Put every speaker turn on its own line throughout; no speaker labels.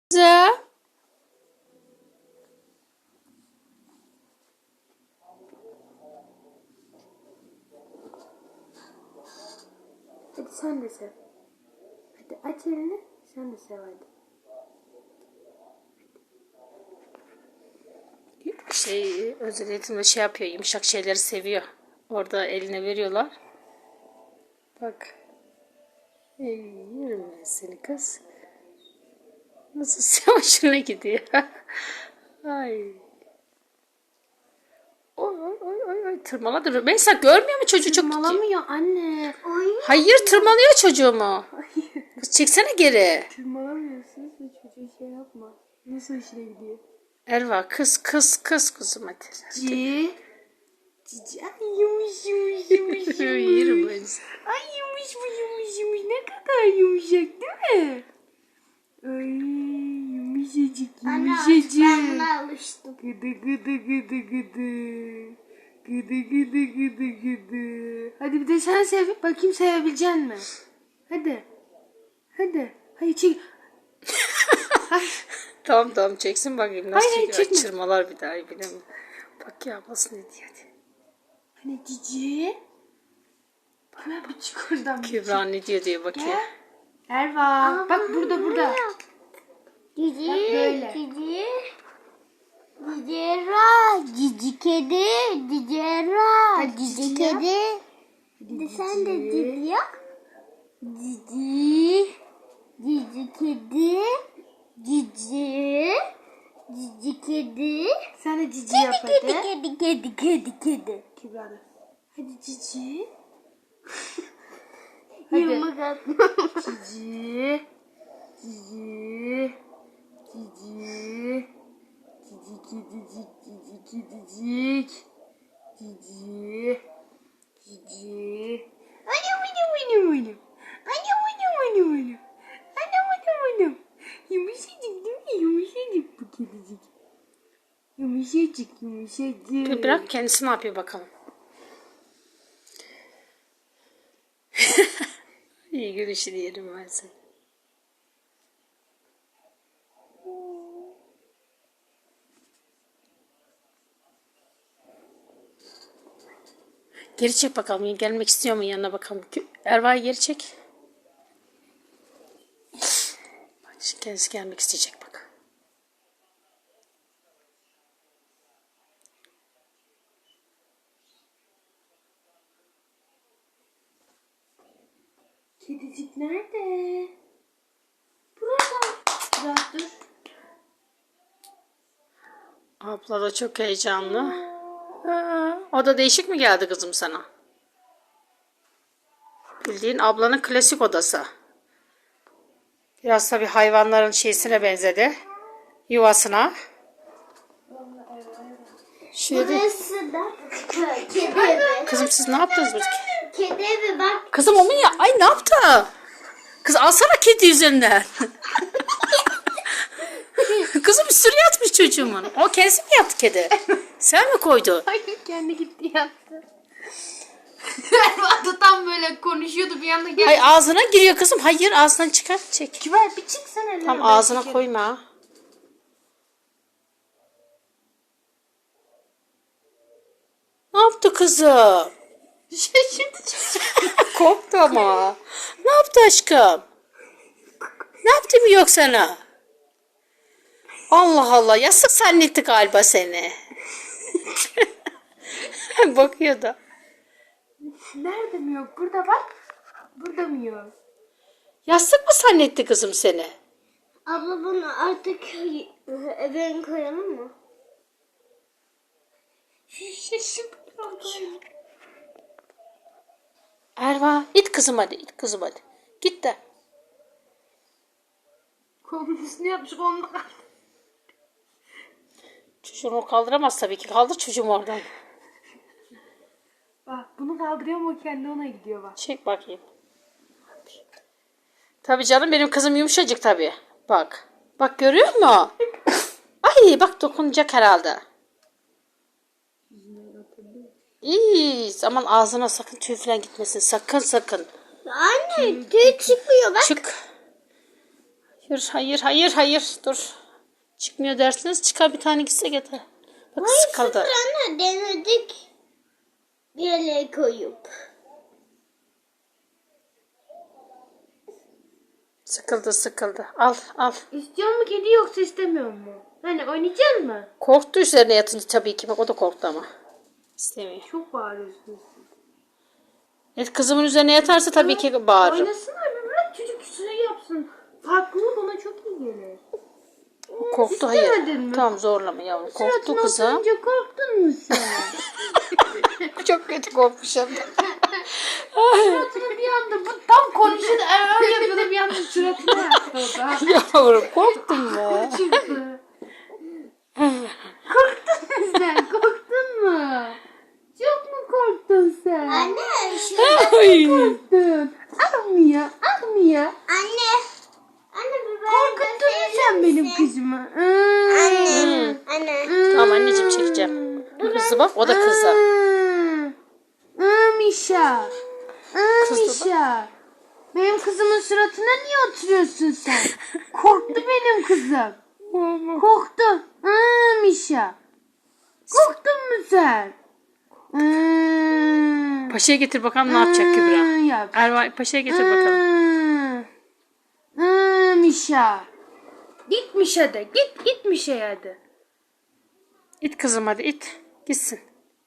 Kızım.
Hadi sen de sev. Hadi aç elini, sen de sev hadi.
Özel eğitimde şey yapıyor, yumuşak şeyleri seviyor. Orada eline veriyorlar. Bak. Yerim ben seni kız. Nasıl hoşuna gidiyor. Ay. Oy oy oy oy oy. Tırmaladı. Mesela görmüyor mu çocuğu çok?
Tırmalamıyor anne.
Hayır, tırmalıyor çocuğumu. Kız çeksene geri.
Tırmalamıyorsunuz ve çocuğu şey yapma. Nasıl işine gidiyor?
Erva kız kızım hadi.
Cici. Cici. Ay yumuş yumuş yumuş
Yerim
yumuş.
ben seni.
Ay yumuş bu yumuş yumuş. Ne kadar yumuşak değil mi? Ay yumuşacık yumuşacık.
Ben buna alıştım.
Gıdı gıdı gıdı gıdı. Gıdı gıdı gıdı gıdı. Hadi bir de sen sev. Bakayım sevebilecek mi? Hadi. Hadi. Hayır çek.
Tamam çeksin bakayım nasıl
Hayır,
çekiyor.
çekme.
Çırmalar bir daha bilemiyorum. Bak ya ablası ne diyor hadi.
Hani cici. Bana bu çık oradan.
Kübra ne diyor bakayım.
Gel. Erva. Bak burada.
Cici,
Bak böyle.
cici. Cicera, cici kedi, cicera,
Hadi
cici
cici yap.
kedi.
Hadi
Sen de
cici.
cici yap. Cici, cici kedi, cici, cici kedi.
Sen de cici yap hadi.
Kedi.
Kübra da. Hadi cici.
Yumruk atma.
Cici. Cici. Cici. Cici kedicik. Cici kedicik. Cici. Cici. Anam. Anam. Yumuşacık değil mi? Yumuşacık bu kedicik. Yumuşacık.
Bir bırak kendisi ne yapıyor bakalım. İyi gülüşü diyelim ben sana. Geri çek bakalım. Gelmek istiyor mu yanına bakalım. Erva'yı geri çek. Bak şimdi kendisi gelmek isteyecek bak.
Kedicik nerede? Burada. Biraz dur.
Abla da çok heyecanlı. O da değişik mi geldi kızım sana? Bildiğin ablanın klasik odası. Biraz tabii hayvanların şeysine benzedi. Yuvasına. Şöyle.
Burası da kedi evi.
Kızım siz ne yaptınız?
Kedi evi bak.
Kızım o mu ya? Ay ne yaptı? Kız alsana kedi üzerinden. Kızım üstüne yatmış çocuğumun. O kendisi mi yaptı kedi? Sen mi koydun?
Hayır kendi gitti yattı. Erva tam böyle konuşuyordu bir anda geldi.
Hayır ağzına giriyor kızım. Hayır ağzından çıkar. Çek.
Kibar bir çıksana elini.
Tam ağzına koyma. Ne yaptı kızım?
Şaşırdı.
Korktu ama. Ne yaptı aşkım? Ne yaptı mı yok sana? Allah Allah yastık zannetti galiba seni. Bakıyor da.
Nerede mi yok? Burada bak. Burada mı yok?
Yastık mı zannetti kızım seni?
Abla bunu artık eve koyalım mı?
Şaşırdı.
Erva it kızım hadi it kızım hadi. Git de.
Kolunun üstüne yapmış kolunu kaldı.
Çocuğunu kaldıramaz tabii ki. Kaldır çocuğumu oradan.
Bak bunu kaldırıyor mu o kendi ona gidiyor bak.
Çek bakayım. Tabii canım benim kızım yumuşacık tabii. Bak. Bak görüyor musun? Ay bak dokunacak herhalde. İyi aman ağzına sakın tüy falan gitmesin. Sakın.
Anne tüy çıkmıyor bak.
Çık. Hayır, hayır, hayır, hayır. Dur. Çıkmıyor dersiniz. Çıkar bir tane gitse getir. Bak sıkıldı.
Anne denedik. Bir yere koyup.
Sıkıldı, sıkıldı. Al, al.
İstiyor mu kedi yoksa istemiyor mu? Hani oynayacak mı?
Korktu üzerine yatınca tabii ki. Bak o da korktu ama. İstemiyor.
Çok bağırıyorsunuz.
Evet, kızımın üzerine yatarsa tabii ki bağırırım.
Oynasınlar bir bırak çocuk şey yapsın. Farklılık ona çok iyi gelir.
Korktu hayır.
İstemedin mi?
Tamam zorlama yavrum. Korktu
Suratına
kızım.
oturunca korktun mu sen?
Çok kötü korkmuş hem de.
Suratına bir anda bu tam konuşuyordu. Öyle yapıyordu bir anda suratına yaptı o da.
Yavrum korktun mu?
Çıktı. Korktun mu sen? Korktun mu? Çok mu korktun sen?
Anne şu
Ay.
Korktun. Almıyor. Almıyor.
anne. Anne biber
Korkuttun mu sen benim kızımı?
Anne. Anne.
Tamam anneciğim çekeceğim. Kızı bak o da kızı.
Mişa.
Kızdı
Mişa. Benim kızımın suratına niye oturuyorsun sen? Korktu benim kızım. Korktu. Mişa. Korktun mu sen?
Paşa'ya getir bakalım ne yapacak Kübra.
Yap.
Erva Paşa'ya getir bakalım.
Mişa. Git Mişa de. Git Mişa'ya de.
İt kızım hadi it. Gitsin.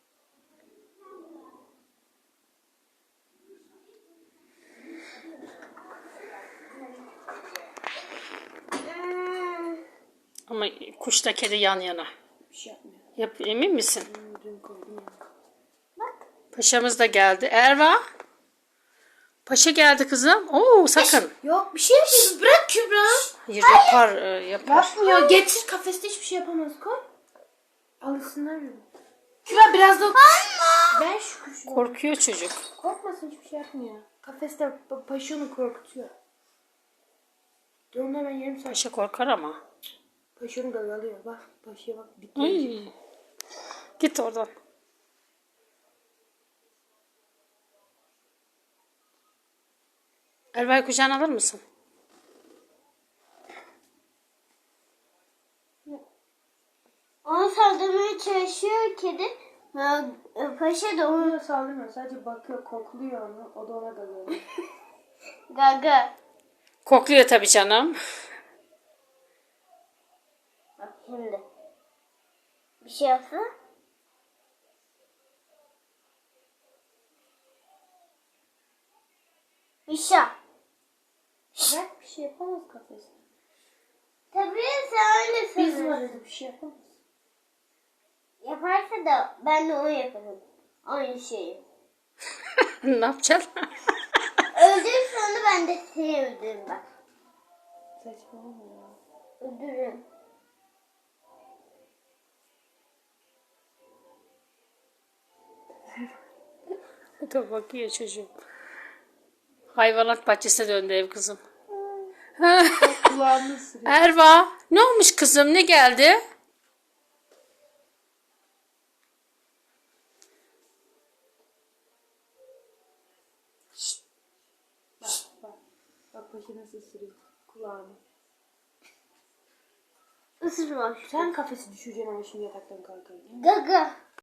Ama kuşla kedi yan yana.
Bir şey yapmıyor.
Emin misin?
Dün koydum ya.
Paşamız da geldi. Erva. Paşa geldi kızım. Oo sakın.
Yok bir şey yapmıyor. Bırak Kübra.
Hayır yapar yapar.
Yapmıyor. Getir kafeste hiçbir şey yapamaz. Koy. Alışsınlar mı? Kübra biraz da... Ver şu kuşu.
Korkuyor çocuk.
Korkmasın hiçbir şey yapmıyor. Kafeste paşa onu korkutuyor. Dur onu hemen yarım saat.
Paşa korkar ama.
Paşa onu gagalıyor. Bak paşaya bak.
Ay. Git oradan. Erva'yı kucağına alır mısın?
Onu saldırmaya çalışıyor kedi. Paşa da onu
Onu saldırmıyor. Sadece bakıyor, kokluyor onu. O da ona galıyor.
gaga.
Kokluyor tabii canım.
Bak şimdi. Bir şey yapsa. Mişa.
Bırak bir şey yapamaz kafeste.
Tabii sen öyle
Biz
sanıyorsun.
varız bir şey yapamaz.
Yaparsa da ben de onu yaparım. Aynı şeyi.
Ne yapacaksın?
Öldürürse onu ben de seni öldürürüm bak.
Saçmalama ya.
Öldürürüm.
Dur bakıyor çocuğum. Hayvanat bahçesine döndü ev kızım.
Kulağını ısırıyor.
Erva ne olmuş kızım ne geldi?
Bak. Bak paşa nasıl ısırıyor kulağını.
Isırma.
Sen kafesi düşüreceksin ama şimdi yataktan kalkarken.
Gaga.